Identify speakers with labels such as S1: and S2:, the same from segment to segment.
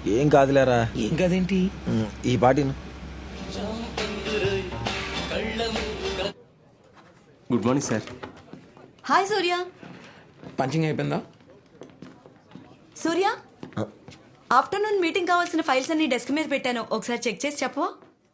S1: ఏం కాదులేరా.
S2: ఏం కదేంటి?
S1: ఈ పాటిను.
S3: Good morning sir.
S4: Hi Surya.
S2: Punching అయిపోయిందా?
S4: సూర్య, ఆఫ్టర్నూన్ మీటింగ్ కావాల్సిన ఫైల్స్ అన్ని డెస్క్ మీద పెట్టాను, ఒకసారి చెక్ చేసి చెప్పవా?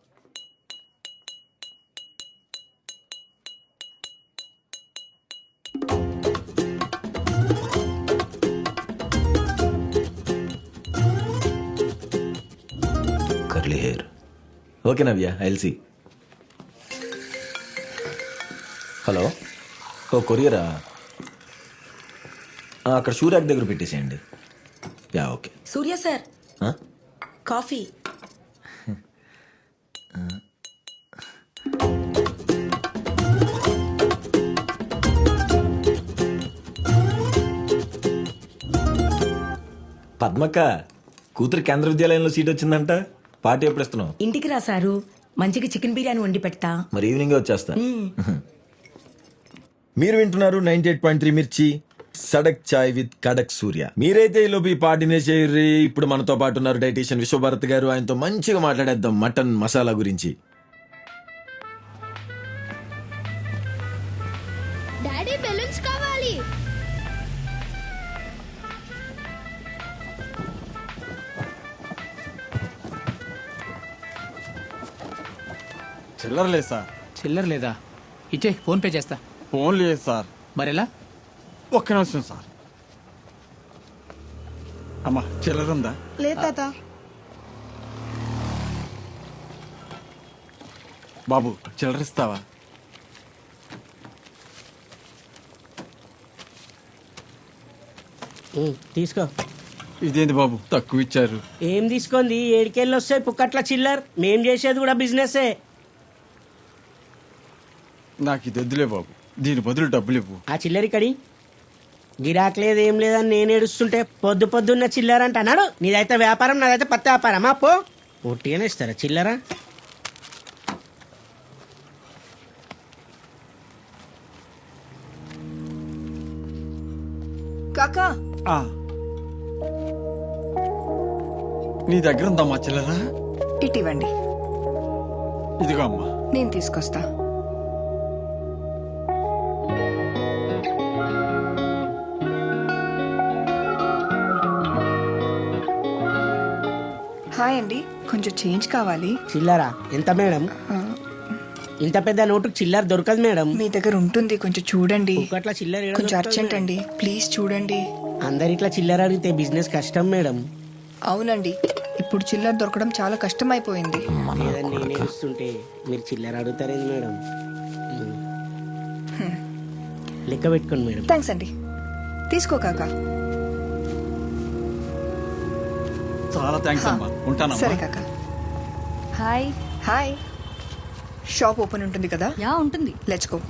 S1: Curly hair. Okay Navya, I'll see. Hello, ఓ కొరియరా? అక్కడ షూ ర్యాక్ దగ్గర పెట్టేసేయండి. Yeah okay.
S4: Surya sir, coffee.
S1: పద్మక్క కూతురు కేంద్ర విద్యాలయంలో సీట్ వచ్చిందంట. పార్టీ ఎప్పుడు ఇస్తున్నావు?
S4: ఇంటికి రా సారు, మంచిగా చికెన్ బిర్యానీ వండి పెడతా.
S1: మరి ఈవినింగ్ వచ్చేస్తా. మీరు వింటున్నారు 98.3 మిర్చి సడక్ చాయ్ విత్ కడక్ సూర్య. మీరైతే ఈ లోపు ఈ పార్టీనే చేయర్రి. ఇప్పుడు మనతో పాటు ఉన్నారు డైటీషియన్ విశ్వభారత్ గారు. ఆయనతో మంచిగా మాట్లాడేద్దాం మటన్ మసాలా గురించి.
S5: డాడీ బెలూన్స్ కావాలి.
S6: చిల్లర లేదు సార్.
S7: చిల్లర లేదా? ఇచ్చే, ఫోన్ పే చేస్తా.
S6: ఫోన్ లేదు సార్.
S7: మరెలా?
S6: ఒక్క నిమిషం సార్. అమ్మా చిల్లర ఉందా?
S5: లేదు తాత.
S6: బాబు చిల్లర ఇస్తావా?
S8: తీసుకో.
S6: ఇదేంటి బాబు తక్కువ ఇచ్చారు?
S8: ఏం తీసుకుంది? ఏడికెళ్ళి వస్తాయి పుక్కట్ల చిల్లర్. మేం చేసేది కూడా బిజినెసే.
S6: నాకు ఇది వద్దులే బాబు, దీని బదులు డబ్బులు ఇవ్వు.
S8: ఆ చిల్లరి కడి గిరాక్ లేదు ఏం లేదని నేను ఏడుస్తుంటే పొద్దు పొద్దున్న చిల్లర అంట అన్నాడు. నీదైతే వ్యాపారం, నాదైతే పత్తి వ్యాపారం. పో ఒట్టిగానే ఇస్తారా చిల్లరా?
S4: కాకా,
S6: ఆ. నీ దగ్గర ఉందమ్మా చిల్లరా?
S9: ఇటివ్వండి,
S6: ఇదిగో అమ్మా.
S9: నేను తీసుకొస్తా. హాయ్ అండి, కొంచెం చేంజ్ కావాలి.
S8: చిల్లరా ఎంత మేడం? ఇంత పెద్ద నోటుకు చిల్లర దొరకదు మేడం.
S9: మీ దగ్గర ఉంటుంది, కొంచెం చూడండి.
S8: పుక్కట్ల చిల్లర ఏడ
S9: కొంచెం
S8: దొరుకుతుంది
S9: అర్జెంట్
S8: మేడం?
S9: అండి, ప్లీజ్ చూడండి.
S8: అందరిట్లా చిల్లర అడిగితే బిజినెస్ కష్టం మేడం.
S9: అవునండి, ఇప్పుడు చిల్లర దొరకడం చాలా కష్టం అయిపోయింది.
S8: లేదని నేను ఏడుస్తుంటే మీరు చిల్లర అడుగుతారేంది మేడం? లెక్క పెట్టుకోండి మేడం.
S9: థ్యాంక్స్ అండి, తీసుకో కాకా.
S6: చాలా థ్యాంక్స్ అమ్మా, ఉంటానమ్మా.
S9: సరే కాకా.
S4: హాయ్.
S9: హాయ్. షాప్ ఓపెన్ ఉంటుంది కదా?
S4: యా ఉంటుంది.
S9: Let's go.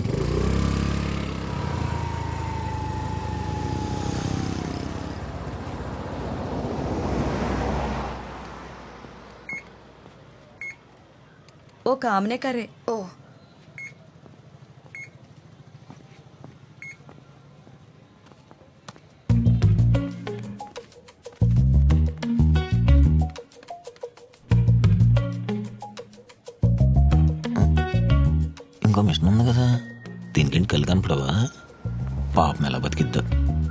S4: ఓ కామనే కర్రే.
S9: ఓ
S1: ఇంకో మిషన్ ఉంది కదా, దీనికి కళ్ళు కనపడవా? పాపం ఎలా బతికిద్దా.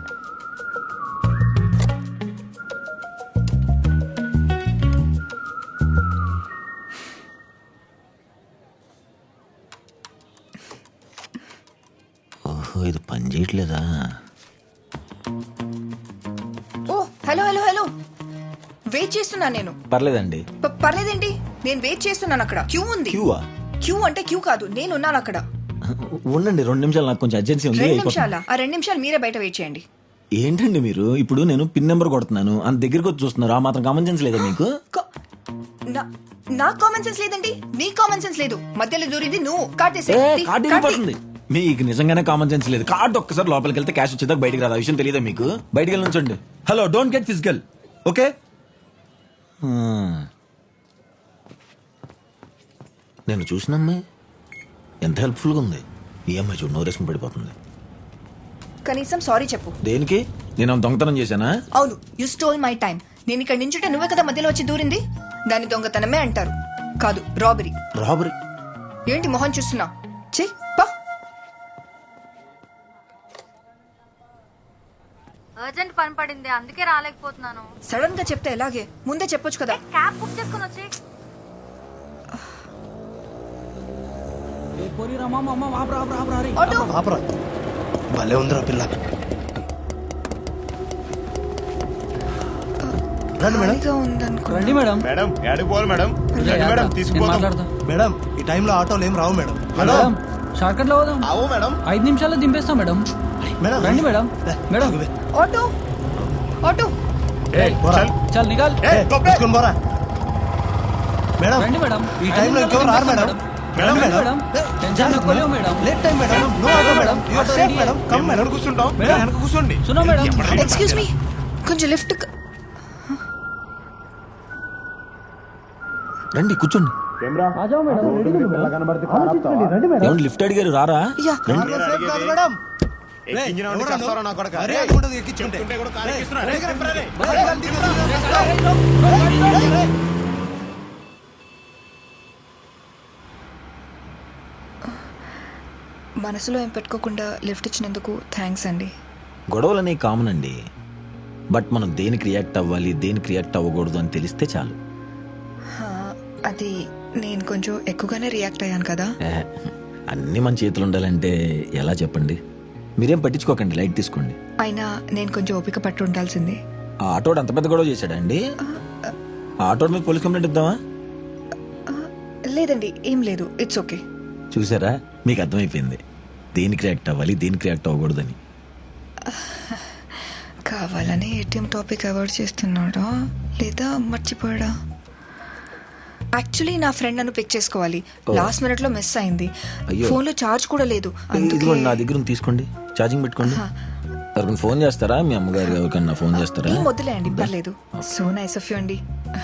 S1: ఓహో, ఇది పని చేయట్లేదా?
S9: ఓ హలో హలో హలో, వెయిట్ చేస్తున్నాను నేను.
S1: పర్లేదండి.
S9: పర్లేదేంటి? నేను వెయిట్ చేస్తున్నాను, అక్కడ క్యూ ఉంది.
S1: క్యూవా?
S9: క్యూ అంటే క్యూ కాదు, నేను ఉన్నాను అక్కడ.
S1: ఉండండి 2 నిమిషాలు, నాకు కొంచెం అర్జెన్సీ ఉంది.
S9: 2 నిమిషాలా? ఆ 2 నిమిషాలు మీరే బయట వెయిట్ చేయండి.
S1: ఏంటండి మీరు? ఇప్పుడు నేను పిన్ నెంబర్ కొడుతున్నాను, అంత దగ్గరికి వచ్చి చూస్తున్నారు. ఆ మాత్రం కామన్ సెన్స్ లేదా మీకు?
S9: నాకు కామన్ సెన్స్ లేదండి, నీ కామన్ సెన్స్ లేదు. మధ్యలో దూరింది నువ్వు. కాటేసే.
S1: కార్డు వెళ్ళిపోతుంది. మీకు నిజంగానే కామన్ సెన్స్ లేదు. కార్డు ఒక్కసారి లోపలికి వెళ్తే క్యాష్ వచ్చేదాకా బయటికి రాదు. ఆ విషయం తెలియదా మీకు? బయటికి వెళ్ళి ఉంచండి. Hello, don't get physical, okay? నేను చూసిన అమ్మాయి ఎంత హెల్ప్ఫుల్గా ఉంది. ఈ అమ్మాయి చూడు, నోరేసుకుని పడిపోతుంది.
S9: కనీసం సారీ చెప్పు.
S1: దేనికి? నేను దొంగతనం చేశానా?
S9: అవును, యు స్టోల్ మై టైం. నేను ఇక్కడ నించుంటే నువ్వే కదా మధ్యలో వచ్చి దూరింది. దాని దొంగతనమే అంటారు, కాదు రాబరీ.
S1: రాబరీ?
S9: ఏంటి మొహం చూస్తున్నా? ఛీ, పా.
S3: అర్జెంట్ పని పడింది అందుకే రాలేకపోతున్నాను.
S9: సడన్ గా చెప్తే ఎలాగే? ముందే చెప్పొచ్చు కదా.
S3: క్యాబ్ బుక్ చేసుకుని వచ్చి
S9: ఆటో.
S10: భలే ఉందిరా పిల్ల. రండి మేడం.
S9: ఖాళీగా ఉందనుకో.
S6: రండి మేడం.
S10: మేడం యాడికి పోవాలి మేడం? రండి మేడం, తీసుకుపోతాం. మేడం ఈ టైంలో ఆటోలు ఏం రావు మేడం.
S6: మేడం షార్ట్ కట్ లో పోదాం.
S10: అవు మేడం.
S6: 5 నిమిషాల్లో దింపేస్తాం మేడం.
S10: మేడం
S6: రండి మేడం. Madam
S9: auto auto.
S6: చల్ నికాల్.
S10: తీసుకుని పోరా మేడం.
S6: రండి మేడం.
S10: ఈ టైంలో ఇంకెవరు రారు మేడం. మేడం మేడం
S6: టెన్షన్ ఎక్కువ madam.
S10: Late time madam. No auto madam. You are safe madam. Come madam. కూర్చుంటాం. మేడం వెనక కూర్చోండి.
S6: సునో మేడం.
S9: ఎక్స్క్యూజ్ మీ, కొంచెం లిఫ్ట్.
S1: రండి కూర్చోండి. ఏమండి లిఫ్ట్ అడిగారు రారా?
S9: యా.
S10: సేఫ్ కాదు మేడం. ఎవరా నా కొడక? అరే ఉండదు ఎక్కించుకుంటే.
S9: మనసులో ఏం పెట్టుకోకుండా లిఫ్ట్ ఇచ్చినందుకు థ్యాంక్స్ అండి.
S1: గొడవలనే కామన్ అండి, బట్ మనం దేనికి రియాక్ట్ అవ్వాలి దేనికి రియాక్ట్ అవ్వకూడదు అని తెలిస్తే చాలు.
S9: హా, అది నేను కొంచెం ఎక్కువగానే రియాక్ట్ అయ్యాను కదా.
S1: అన్నీ మన చేతులు ఉండాలంటే ఎలా చెప్పండి? మీరేం పట్టించుకోకండి, లైట్ తీసుకోండి.
S9: అయినా నేను కొంచెం ఓపిక పట్టు ఉండాల్సింది.
S1: ఆ ఆటోడు అంత పెద్ద గొడవ చేశాడండి? ఆ ఆటోడు మీద పోలీస్ కంప్లైంట్ ఇద్దామా?
S9: లేదండి, ఏం లేదు, ఇట్స్ ఓకే.
S1: చూసారా, మీకు అర్థమైపోయింది దేనికి రియాక్ట్ అవ్వాలి దేనికి రియాక్ట్ అవ్వకూడదని.
S9: కావాలని ఏటీఎం టాపిక్ అవాయిడ్ చేస్తున్నాడా లేదా మర్చిపోయాడా? యాక్చువల్లీ నా ఫ్రెండ్ నన్ను పిక్ చేసుకోవాలి, లాస్ట్ మినిట్ లో మిస్ అయింది.
S1: అయ్యో.
S9: ఫోన్ లో చార్జ్ కూడా లేదు.
S1: ఇదిగోండి నా దగ్గర ఉంది, తీసుకోండి, ఛార్జింగ్ పెట్టుకోండి. ఎవరికైనా ఫోన్ చేస్తారా? మీ అమ్మగారు ఎవరికన్నా ఫోన్ చేస్తారా?
S9: ఏం వద్దులే అండి, పర్లేదు. సో నైస్ ఆఫ్ యూ అండి.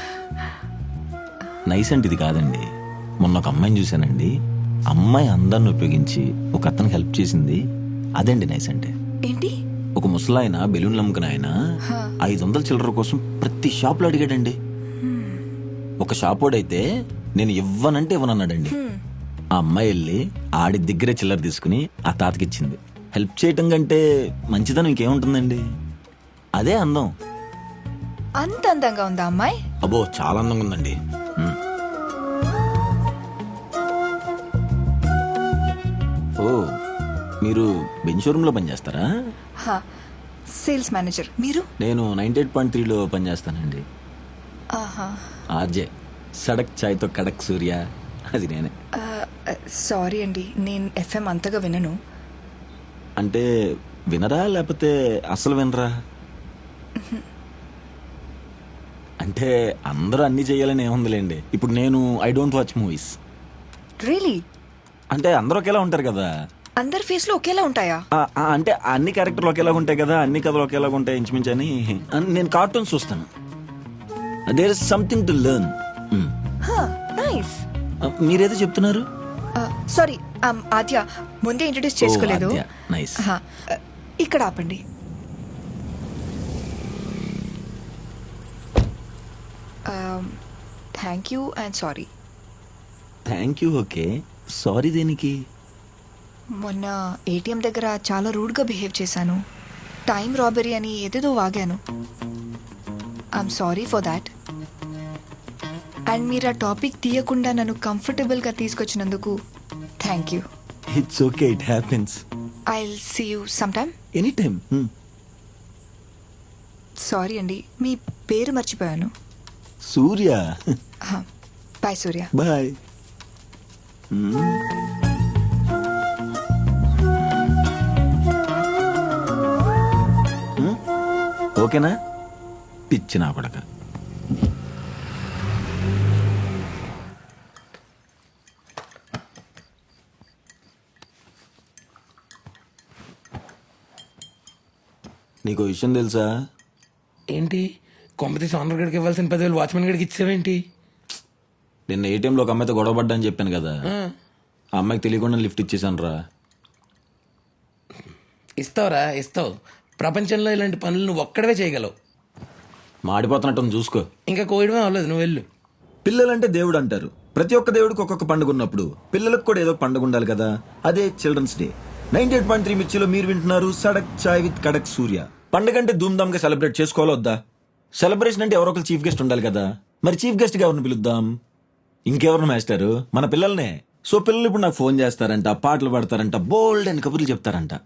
S1: నైస్ అంటే ఇది కాదండి. మొన్న ఒక అమ్మాయిని చూశానండి, అమ్మాయి అందరిని ఉపయోగించి ఒక అతనికి హెల్ప్ చేసింది, అదండి నైస్ అంటే.
S9: ఏంటి?
S1: ఒక ముసలాయన బెలూన్లు అమ్ముకున్న ఆయన 500 చిల్లర కోసం ప్రతి షాప్ లో అడిగాడండి. ఒక షాప్ వాడైతే నేను ఇవ్వనంటే ఇవ్వనన్నాడండి. ఆ అమ్మాయి వెళ్ళి ఆడి దగ్గరే చిల్లర తీసుకుని ఆ తాతకి ఇచ్చింది. హెల్ప్ చేయటం కంటే మంచిదనం ఇంకేముంటుందండి? అదే అందం.
S9: అంత అందంగా ఉందా అమ్మాయి?
S1: అబ్బో చాలా అందంగా ఉందండి. ఓ, మీరు బెంచ్ షోరూమ్ లో పనిచేస్తారా?
S9: Sales manager. మీరు?
S1: నేను 98.3లో పనిచేస్తానండి.
S9: ఆహా.
S1: ఆర్జే సడక్ చాయ్తో కడక్ సూర్య, అది నేనే.
S9: సారీ అండి, నేను ఎఫ్ఎం అంతగా వినను.
S1: అంటే వినరా లేకపోతే అసలు వినరా? అంటే అందరూ అన్ని చేయాలని ఏముందిలేండి. ఇప్పుడు నేను I don't watch movies.
S9: Really?
S1: అంటే అందరూ ఒకేలా ఉంటారు కదా.
S9: అందరి ఫేస్ లో ఒకేలా ఉంటాయా?
S1: అంటే అన్ని క్యారెక్టర్లు ఒకేలా ఉంటాయి కదా, అన్ని కథలు ఒకేలా ఉంటాయి ఇంచుమించు అని. నేను కార్టూన్స్ చూస్తాను. There is something to learn.
S9: Nice.
S1: మీరేదో చెప్తున్నారు?
S9: సారీ, ఆద్య, ముందే ఇంట్రడ్యూస్ చేసుకోలేదు.
S1: నైస్.
S9: ఇక్కడ ఆపండి. Thank you and sorry.
S1: Thank you. Okay, sorry దేనికి?
S9: మొన్న ఏటీఎం దగ్గర చాలా రూడ్గా బిహేవ్ చేశాను. టైం రాబరీ అని ఏదేదో వాగాను. I'm sorry for that. And మీరు ఆ టాపిక్ తీయకుండా నన్ను కంఫర్టబుల్గా తీసుకొచ్చినందుకు thank you.
S1: It's okay, it happens.
S9: I will see you some time.
S1: Any time.
S9: Sorry అండి, మీ పేరు మర్చిపోయాను.
S1: సూర్య.
S9: బాయ్ సూర్య.
S1: బాయ్. ఓకేనా? పిచ్చి నా కొడక. నీకు విషయం తెలుసా?
S2: ఏంటి? కొంపతీసి ఆనర్ గడికి ఇవ్వాల్సిన 10,000 వాచ్మెన్ గడికి ఇచ్చావేంటి?
S1: నిన్న ఏటీఎంలో ఒక అమ్మాయితో గొడవ పడ్డా అని చెప్పాను కదా, ఆ అమ్మాయికి తెలియకుండా లిఫ్ట్ ఇచ్చేసాను రా.
S2: ఇస్తావురా, ఇస్తావు. ప్రపంచంలో ఇలాంటి పనులు నువ్వు ఒక్కడవే చేయగలవు.
S1: మాడిపోతున్నట్టు చూసుకో.
S2: ఇంకా కోయడమే అవ్వలేదు, నువ్వు వెళ్ళు.
S1: పిల్లలంటే దేవుడు అంటారు. ప్రతి ఒక్క దేవుడికి ఒక్కొక్క పండుగ ఉన్నప్పుడు పిల్లలకు కూడా ఏదో ఒక పండుగ ఉండాలి కదా. అదే చిల్డ్రన్స్ డే. 98.3 మిర్చిలో మీరు వింటున్నారు సడక్ చాయ్ విత్ కడక్ సూర్య. పండుగ అంటే ధూమ్ధామ్ గా సెలబ్రేట్ చేసుకోవాలో వద్దా? సెలబ్రేషన్ అంటే ఎవరో ఒకరు చీఫ్ గెస్ట్ ఉండాలి కదా. మరి చీఫ్ గెస్ట్ గా ఎవరిని పిలుద్దాం? ఇంకెవరిని మాస్టారు? మన పిల్లల్నే. సో పిల్లలు ఇప్పుడు నాకు ఫోన్ చేస్తారంట, పాటలు పాడతారంట, బోల్డ్ అని కబుర్లు చెప్తారంట.